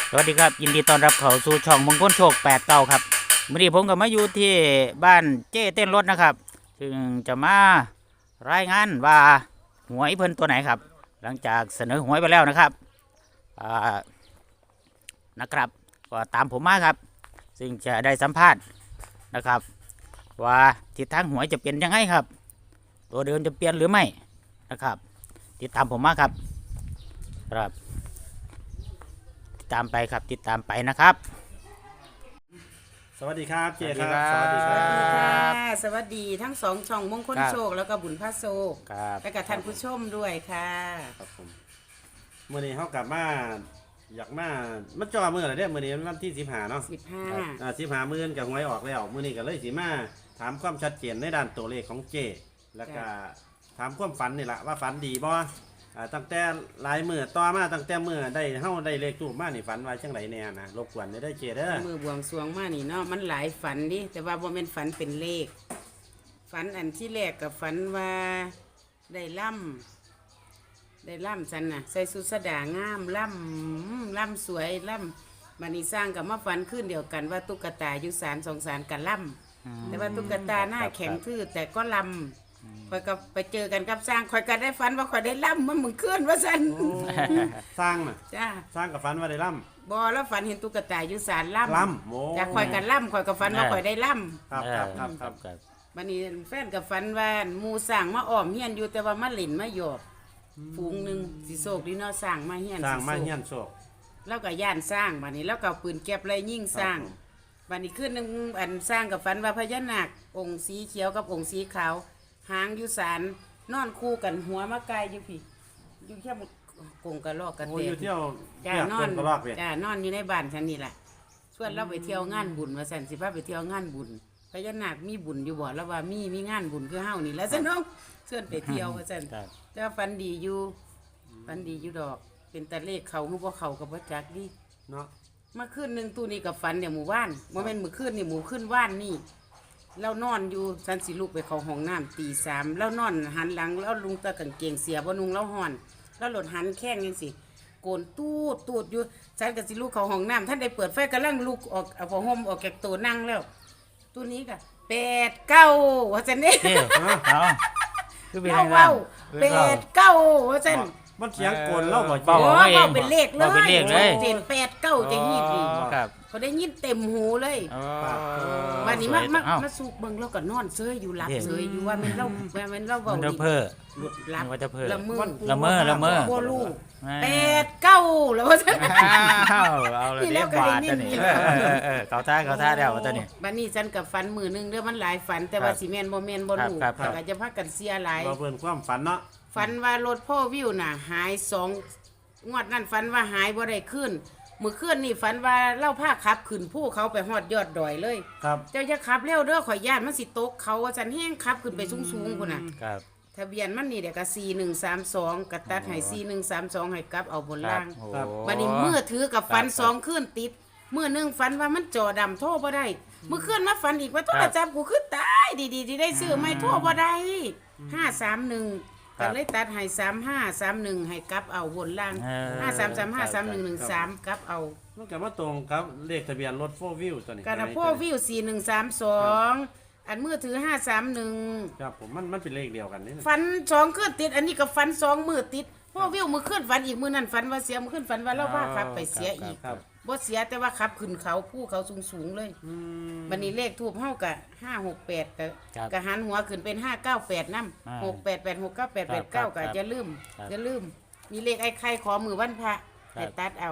สวัสดีครับยินดีต้อนรับเข้าสู่ช่องมงคลโชค89ครับวันนี้ผมก็มาอยู่ที่บ้านเจ้เต้นรถนะครับซึ่งจะมารายงานว่าหวยเพิ่นตัวไหนครับหลังจากเสนอหวยไปแล้วนะครับนะครับก็ตามผมมาครับซึ่งจะได้สัมภาษณ์นะครับว่าทิศทางหวยจะเปลี่ยนยังไงครับตัวเดิมจะเปลี่ยนหรือไม่นะครับติดตามผมมาครับครับตามไปครับติดตามไปนะครับสวัสดีครับเจครับสวัสดีครับสวัสดีค่ะสวัสดีทั้งสองช่องมงคลครับโชคแล้วก็บุญพระโชคครับและกับท่านผู้ชมด้วยค่ะครับผมมื่อนี้เขากลับมาอยากมามันจ่อมืออะไรเด้มื่อนี้วันที่15เนาะ 15 มื้อกับหวยออกแล้วมื่อนี้ก็เลยสิมาถามความชัดเจนในด้านตัวเลขของเจแล้วก็ถามความฝันนี่แหละว่าฝันดีบ่ตั้งแต่หลายมื้อต่อมาตั้งแต่มื้อได้เฮาได้เลขทูปมานี่ฝันว่าจังไดแน่นะรบกวนได้เจเด้อมือบวงสรวงมานี่เนาะมันหลายฝันดิแต่ว่าบ่แม่นฝันเป็นเลข ฝันอันที่แรกกับฝันว่าได้ล่ำฉันน่ะใส่สุดสดางามล่ำสวยล่ำบัดนี้สร้างกับมาฝันขึ้นเดียวกันว่าตุ๊กตาอยู่ศาลสองศาลกันล่ำ แต่ว่าตุ๊กตาหน้าแข็งทื่อแต่ก็ลำคอยก็ไปเจอกันกับสร้างคอยก็ได้ฝันว่าคอยได้ล่ำมันมึงเคลื่อนว่าสันสร้างน่ะจ้าสร้างกับฝันว่าได้ล่บอแล้วฝันเห็นตุ๊กตาอยู่ศาลล่ำล่ำโอ้จากคอยกันล่ำคอยก็ฝันว่าคอยได้ล่ครับครับครับครับำบันนี้แฟนกับฝันว่าหมูสั่งมาอ้อมเฮียนอยู่แต่ว่ามาหลินมาหยอกฝูงหนึ่งสิโศกดีเนาะสั่งมาเฮียนสร้างมาสิโศกเฮียนโศกแล้วก็ย่านสร้างบันนี้แล้วก็เอาปืนเก็บไรยิ่งสร้างครับผมบันนี้ขึ้นหนึ่งอันสร้างกับฝันว่าพญานาคองค์สีเขียวกับองค์สีขาว หางอยู่ศาลนอนคู่กันหัวมะกายอยู่พี่อยู่แค่กงกระลอกกระโอ้เตยอยู่เที่ยวจ้าเที่ยวนอนกระรอกเว้ยจ้านอนอยู่ในบ้านฉันนี่แหละชวนเราไปเที่ยวงานบุญมาสันสิพาไปเที่ยวงานบุญพญานาคมีบุญอยู่บ่แล้วว่ามีงานบุญคือเฮานี่แหล้วสน้องชวนไปเที่ยวมาสันครับแต่ว่าฟันดีอยู่ฟันดีอยู่ดอก เป็นตะเลขเขาคือบ่เขากับบ่จักดิเนาะเมื่อคืนหนึ่งตู้นี้กับฟันเนี่ยหมู่บ้านโมเมนต์มื้อคืนนี่หมู่ขึ้นว่านนี่เรานอนอยู่ฉันสิลูกไปเข้าห้องน้ำตี3แล้วนอนหันหลังแล้วลุงตะกางเกงเสียบ่นุงแล้วห่อน แล้วหลดหันแข้งยังสิโกนตูดอยู่ฉันก็สิลูกเข้าห้องน้ำท่านได้เปิดไฟกำลังลูกออกเอาผ้าห่มออกจากตัวนั่งแล้วตู้นี้ก็8 9ว่าจันนี่เจ้เอาคือเป็นเล่ายังไงเว้าเว้า 8 9ว่าจันมันเสียงโกนเล่าบ่เจเบาโอ้อาเองเว้าเป็นเลขเลยเว้าเป็นเลขเลยเจน8 9จะยิบอีกครับเขาได้ยินเต็มหูเลยอ๋อวันนี้สวยมาเอ้าสูบเบิ่งแล้วก็นอนเซยอยู่หลับเย้เซยอยู่ว่ามันเล่าเว้ามันจะดีเพ้อหลับมันจะเพ้อละเมอละเมอละเมอบ่ลูกอ่า 8 9แล้วว่าซั่นอ้าวเอาเลยนี่แล้เรียว กก็บาได้ทนิ่ตัวมนี้อยู่เขาท่าเดียวตัวนี้บัดนี้ฉันกับฝันมือหนึงเด้อมันหลายฝัน แต่ว่าสิแม่นบ่แม่นบ่รู้ครับแต่ก็จะพากันเสียหลายบ่เพิ่นความฝันเนาะฝันว่ารถพ่อวิวน่ะ หาย2งวดนั้นฝันว่าหายบ่ได้ขึ้นมื้อคืนนี่ฝันว่าเล่าผ้าขับขึ้นภูเขาไปฮอดยอดดอยเลยครับเจ้าอย่าขับเร็วเด้อข่อยย่านมันสิตกเขาว่าฉันแห้งขับขึ้นไปสูงๆพุ่นน่ะครับทะเบียนมันนี่เดี๋ยวก็4132กระตัดให้4132ให้กลับเอาบนครัล่าบงโอ้บัดนี้มือถือกับฟันครับสองขึ้นติดมือหนึงฟันว่ามันจอดำโทรบ่ได้มือขึ้นมาฟันอีกว่าโทรศัพท์กูขึ้นตายดีๆที่ได้ซื้อไม่โทรบ่ได้531ก็เลยตัดให้3531ให้กลับเอาบนล่าง53353113กลับเอามันก็มาตรงกับเลขทะเบียนรถ4 Wheel ตัวนี้กระโพกวิว4132อันมือถือ531 ครับผมมันเป็นเลขเดียวกันนี่นะฟันสองขึ้นติด อันนี้ก็ฟันสองมือติดพ่อวิวมือขึ้นฟันอีกมือนั่นฟันว่าเสียมือขึ้นฟันว่าเราพาขับไปเสียอีกครับบ่เสียแต่ว่าขับขึ้นเขาผู้เขาสูงๆเลยอืมบันนี้เลขทูบเฮากะ568 ครับกะหันหัวขึ้นเป็น598นำอ่า 6886989 ครับกะจะลืมครับจะลืม มีเลขไอ้ไข่ขอมือวันพระครับแต่ตัดเอา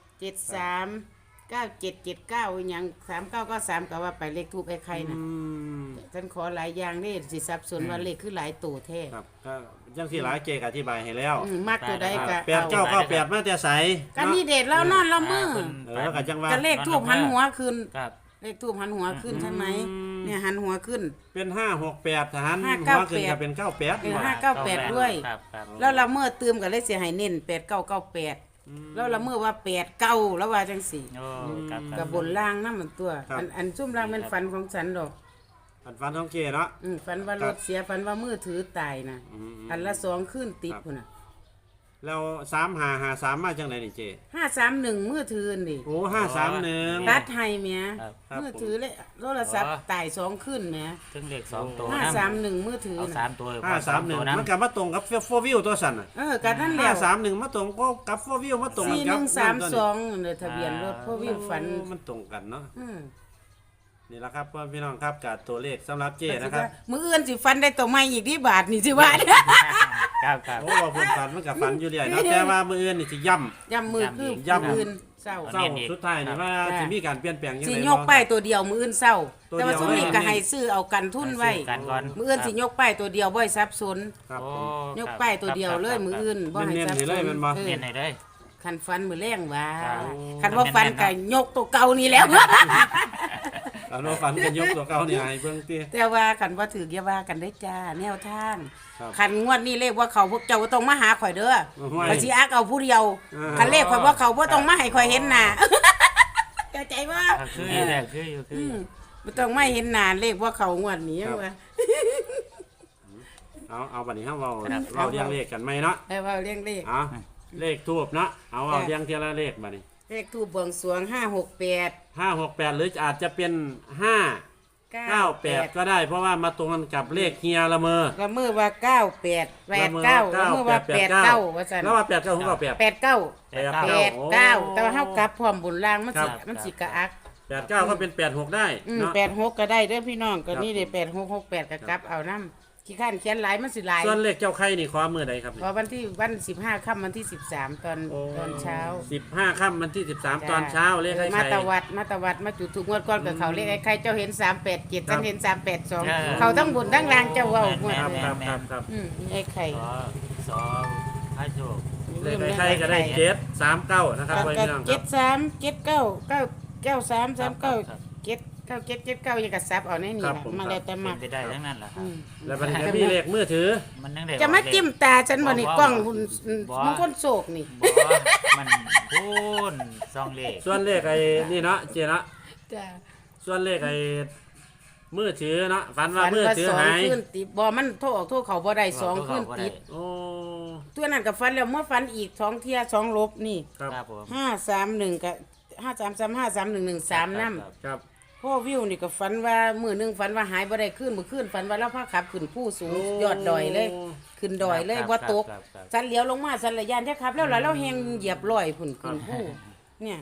73 9779อีหยัง3993ก็ว่าไปเลขทูบไอ้ไข่น่ะอืมฉันขอหลายอย่างนี่สิสับสนว่าเลขคือหลายตัวแท้ครับก็จังที่หลายเจกอธิบายให้แล้วมากตัวใดก็แปดเก้าเอาเก้าแปดมาแต่ใสก็นี่เด็ดแล้วนอนละมือแล้วก็จังว่าก็เลขทูบหันหัวขึ้นครับเลขทูบหันหัวขึ้นใช่ไหมอืมเนี่ยหันหัวขึ้นเป็น568ทหาร 598 หัวขึ้นก็เป็น98 เออ598ด้วยครับครับแล้วละเมื่อตืมก็เลยเสียให้เน้น8998แล้วละเมื่อว่า89แล้วว่าจังสี่โอ้ครับคกัรับบนล่างนั่นมันตัว อันซุ่มล่างเป็นฝันของฉันดอกอันฟันของเจเนาะฝันว่ารถเสียฝันว่ามือถือตายนะอืมอันละ2ขึ้นติดพุ่นน่ะแล้ว3553มาจังไดนี่เจ 531มือถือนี่โอ้531 ตัดให้แหม่ครับมือถือเลยโทรศัพท์ตาย2ขึ้นแหม่ถึงเลขสองตัว 531มือถือเอาน่ะสามตัว 531มันก็มาตรงกับ4 view ตัวสั่นน่ะก็นั่นแหละ 531มาตรงก็กับ4 view มาตรงกันกับ 4132เนี่ยทะเบียนรถพ่อวิวฝันโอ้มันตรงกันเนาะอืมนี่ละครับพ่อพี่น้องครับกับตัวเลขสำหรับเจนะครับมื้ออื่นสิฟันได้ตัวใหม่อีกที่บาทนี่สิว่าครับครับโอ้ว่าเพิ่นฝันมันก็ฝันอยู่เรื่อยเนาะแต่ว่ามื้ออื่นนี่สิย่ำย่ำมือคือย้ำมื้ออื่นเศร้าเศร้าสุดท้ายนี่ว่าจ้ะสิมีการเปลี่ยนแปลงยังสิไงยกป้ายตัวเดียวมื้ออื่นเศร้าตัวแต่ว่าเดียวช่วงนี้เลยก็ให้ซื้อเอากันทุนไว้กันก่อนมื้ออื่นสิยกป้ายตัวเดียวบ่ให้สับสนครับโอ้ยกป้ายตัวเดียวเลยมื้ออื่นบ่ให้สับเน้นๆสให้นเลยแม่นบ่เรียนไหนได้คันฟันมื้อแรงว่าครับคันว่าฟันก็ยกตัวเก่านี่แล้วอันว่าฝันกันยกตัวเก่านี่ให้เบิ่งติแต่ว่าคันว่าถืออย่าว่ากันได้จ้าแนวทางครับคันงวดนี้เลขว่าเขาพวกเจ้าบ่ต้องมาหาข่อยเด้อไม่ข่อยสิอักเอาผู้เดียวอ่าคันเลขข่อยว่าเขาบ่ต้องมาให้ข่อยเห็นหน้า เข้าใจบ่คืออยู่แต่คืออยู่คืออยู่บ่ต้องมาเห็นหน้าเลขว่าเขางวดนี้ว่าเอาบัดนี้เฮาเว้าครับเว้าเรียงเลขกันไหมเนาะให้ว่าเรียงเลขเอาเลขทูบเนาะเอาจ้ะเรียงเทียละเลขบัดนี้เลขทูปบวงสรวง568 568หรืออาจจะเป็น598ก็ได้เพราะว่ามาตรงกันกับเลขเฮียละเมอละมือว่า98 89ละมือว่า89ว่าซั่นแล้วว่า89ผมก็8 89 89แต่ว่าเฮากลับพร้อมบุญล่างมันสิครับมันสิกะอัก 89ก็เป็น86ได้เนาะ 86ก็ได้เด้อพี่น้องก็นี่ครัเด้บ 8668ก็กลับเอานำขี้ข้านเขียนหลายมันสิหลายส่วนเลขเจ้าไข่นี่ขอมือใดครับเพราะวัน15ค่ำวันที่13ตอนเช้า 15ค่ำวันที่13ตอนเช้าเลขไข่มาไข่ตะวัดมาจุดถูกงวดก่อนกับเขาเลขไอ้ใครเจ้าเห็น387ฉันเห็นครับ 382เขาทั้งบนทั้งล่างเจ้าเว้างวดครับเลยครับไอ้ไข่สอพระโชคเลขไข่ก็ได้739นะครับไว้พี่น้องครับ 73 79 93 39 79 ยังกระซับเอาในนี่ครับล่ะผมมาแล้วแต่เป็มานไปได้ทั้งนั้นแหละครับแล้วมันจะมีเลขมือถือมันนั่งได้จะมาจิ้มตาฉันบ่นี่กล้องหุ่นบ่มันคนโศกนี่บ่มันพูนซองเลขส่วนเลขไอ้นี่เนาะเจเนาะจ้าส่วนเลขไอ้มือถือเนาะฝันว่ามือถือสองหายคืนติดบ่มันโทรออกโทรเขาบ่ได้สองคืนติดโอ้ตัวนั้นก็ฟันแล้วเมื่อฟันอีก2เที่ย2ลบนี่ครับครับผม 531กับ533531113นำครับพ่อวิวนี่ก็ฝันว่ามื้อหนึงฝันว่าหายบ่ได้ขึ้นมื้อคืนฝันว่าเราพาขับขึ้นผู้สูงยอดดอยเลย ขึ้นดอยเลยบ่ตกครับครับสันเหลียวลงมาสันระยานแท้ครับ แล้วล่ะเราแฮงเหยียบร้อยพุ่นขึ้นผู้เนี่ย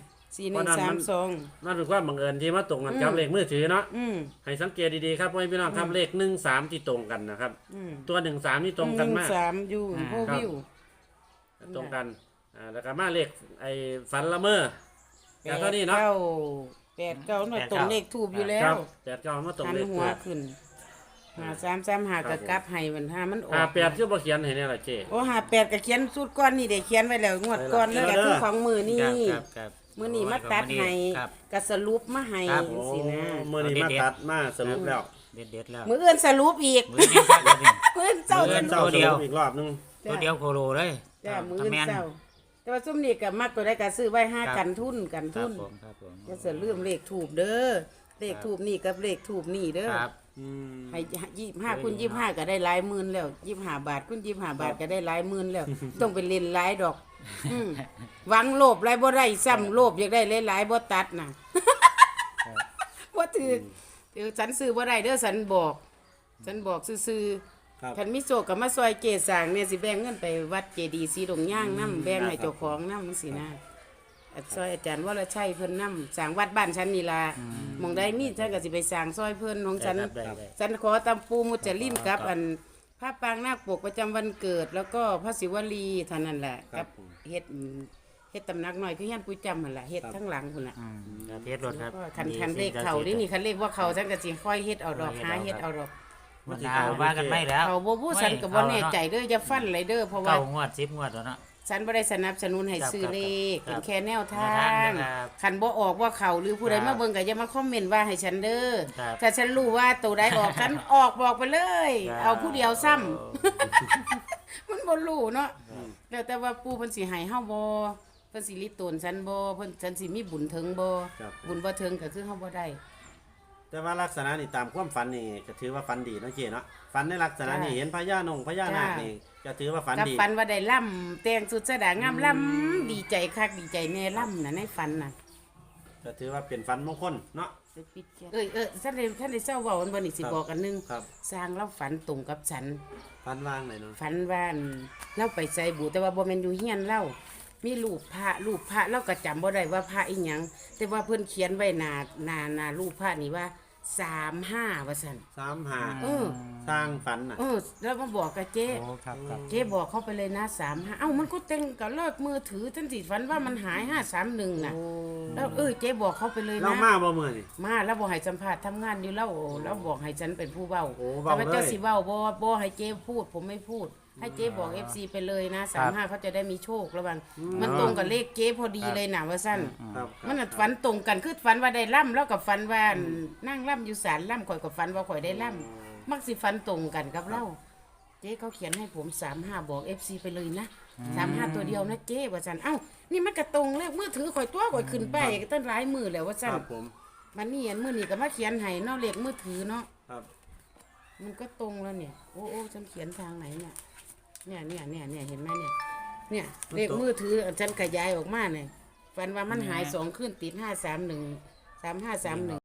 4132 นั่นคือความบังเอิญที่มาตรงกันกับเลขมือถือเนาะอืมให้สังเกตดีๆครับพ่อพี่น้องครับเลข13ที่ตรงกันนะครับ ตัว13นี่ตรงกันมาก 13อยู่พ่อวิวตรงกันแล้วก็มาเลขไอ้ฝันละเมอแล้วก็นี่เนาะ 89น่ะตรงเลขทูบอยู่แล้ครัวบ89มาตรงหันเลขหัวขึ้น5335ก็กลับให้มันมันออก 58คือบ่เขียนให้เนี่ยล่ะเจ้โอ้58ก็เขียนสูตรก้อนนี่ได้เขียนไว้แล้วงวดก่อนแล้วก็คือของมือนี่ครับครับมื้อนี้มาตัดให้ครับก็สรุปมาให้ครับโอ้สินะมื้อนี้มาตัดมาสรุปแล้วเด็ดๆแล้วมื้ออื่นสรุปอีกมือนี้ครับมือนี้มื้ออื่นเจ้ามื้ออื่สนรุเจ้าปสรุปอีกรอบนึงตัวเดียวโคโลเลยจ้ามื้ออื่นแม่นเจ้าแต่ว่าซุมนี้ก็มักตัวใดก็ซื้อไว้ห้าครับกันทุนครับผมครับผมจะเสือลืมเลขถูกเด้อเลขถูกนี่กับเลขถูกนี่เด้อครับให้25คูณ25ก็ได้หลายหมื่นแล้ว25บาทคูณ25บาทก็ได้หลายหมื่นแล้ว ต้องไปเล่นหลายดอกหวังโลภหลายบ่ได้ซ้ำโลภอยากได้หลายๆบ่ตัดน่ะบ่ถือเดี๋ยวฉันซื้อบ่ได้เด้อฉันบอกซื่อครับๆคันมีโชคก็มาซอยเกศสร้างเนี่ยสิแบ่งเงินไปวัดเจดีย์ศรีดงย่างนำแบ่งให้เจ้าของนำจังซี่นะซอยอาจารย์วรชัยเพิ่นนำสร้างวัดบ้านฉันนี่ล่ะหม่องใดมีฉันก็สิไปสร้างซอยเพิ่นของฉันได้ครับฉันขอตำปูมุจลินกับอันพระปางนาคปกประจำวันเกิด แล้วก็พระศิวลีเท่านั้นแหละครักับ เฮ็ดตำหนักหน่อยคือเฮียนปุ้ยจำหั่นล่ะเฮ็ดทั้งหลังพุ่นน่ะครับเทสรถครับคันเลขเขานี่คันเลขว่าเขาฉันก็สิค่อยเฮ็ดเอาดอกหาเฮ็ดเอาดอกมันหาว่ากันไม่แล้วเขาบ่พูดฉันก็บ่แน่ใจเด้อจะฟันเลยเด้อเพราะว่าเก้างวด10งวดแล้วเนาะฉันบ่ได้สนับสนุนให้ซื้อเลขครับเป็นแค่แนวทาแนวทางงนะครับคันบ่ออกว่าเขาหรือผู้ใดครับมาเบิ่งก็อย่ามาคอมเมนต์ว่าให้ฉันเด้อครับถ้าฉันรู้ว่าตัวใดออก ฉันออกบอกไปเลยครับเอาผู้เดียวซ้ำ มันบ่รู้เนาะแล้วแต่ว่าปู่เพิ่นสิให้เฮาบ่เพิ่นสิลิตนฉันบ่เพิ่นฉันสิมีบุญถึงบ่ครับบุญบ่ถึงก็คือเฮาบ่ได้แต่ว่าลักษณะนี่ตามความฝันนี่ก็ถือว่าฝันดีเนาะเจ๊เนาะฝันในลักษณะนี่เห็นพญานาคนี่ก็ถือว่าฝันกับดีฝันว่าได้ล่ำแต่งสุดสดางามล่ำดีใจคักดีใจแน่ล่ำน่ะในฝันน่ะก็ถือว่าเป็นฝันมงคลเนาะท่านได้เศร้าเว้าอันบ่นี่สิครับบอกอันหนึงครับสร้างเราฝันตรงกับฉันฝันว่างไหนเนาะฝันว่าอั่นเราไปใส่บูแต่ว่าบ่แม่นอยู่เฮียนเรามีรูปพระเราก็จำบ่ได้ว่าพระอีหยังแต่ว่าเพิ่นเขียนไว้หน้ารูปพระนี่ว่า35ว่าซั่น 35 เออสร้างฝันน่ะแล้วมาบอกกับเจ๊โอ้ครับครับเจ๊บอกเขาไปเลยนะ35เอ้ามันก็เต็งกับเลิกมือถือทันทีฝันว่ามันหาย531น่ะแล้วเจ๊บอกเขาไปเลยเรานะมาบ่มื้อนี่มาแล้วบอกให้สัมภาษณ์ทำงานอยู่แล้วบอกให้ฉันเป็นผู้เว้าโอ้แต่เว้าว่าเจ้าเลยสิเว้าบ่ให้เจ๊พูดผมไม่พูด ให้เจ๊บอก FC ไปเลยนะ35เขาจะได้มีโชคระวังมันตรงกับเลขเจ๊พอดีเลยนะว่าสั้นครับมันน่ะฝันตรงกันคือฝันว่าได้ล่ำแล้วกับฝันว่านั่งล่ำอยู่ศาลล่ำข่อยกับฝันว่าข่อยได้ล่ำมักสิฝันตรงกันกับเราเจ๊เขาเขียนให้ผม35บอก FC ไปเลยนะ35ตัวเดียวนะเจ๊ว่าซั่นเอ้านี่มันก็ตรงเลขมือถือข่อยตัวข่อยขึ้นไปตั้งหลายมือแล้วว่าคซั่นรับผมมันนี่อันมือนี่ก็มาเขียนให้เนาะเลขมือถือเนาะครับมันก็ตรงแล้วเนี่ยโอ้ฉันเขียนทางไหนเนี่ยเห็นไหมเนี่ยเลขมือถือฉันขยายออกมาเนี่ยฝันว่ามันหาย2 ขึ้นติด531 3531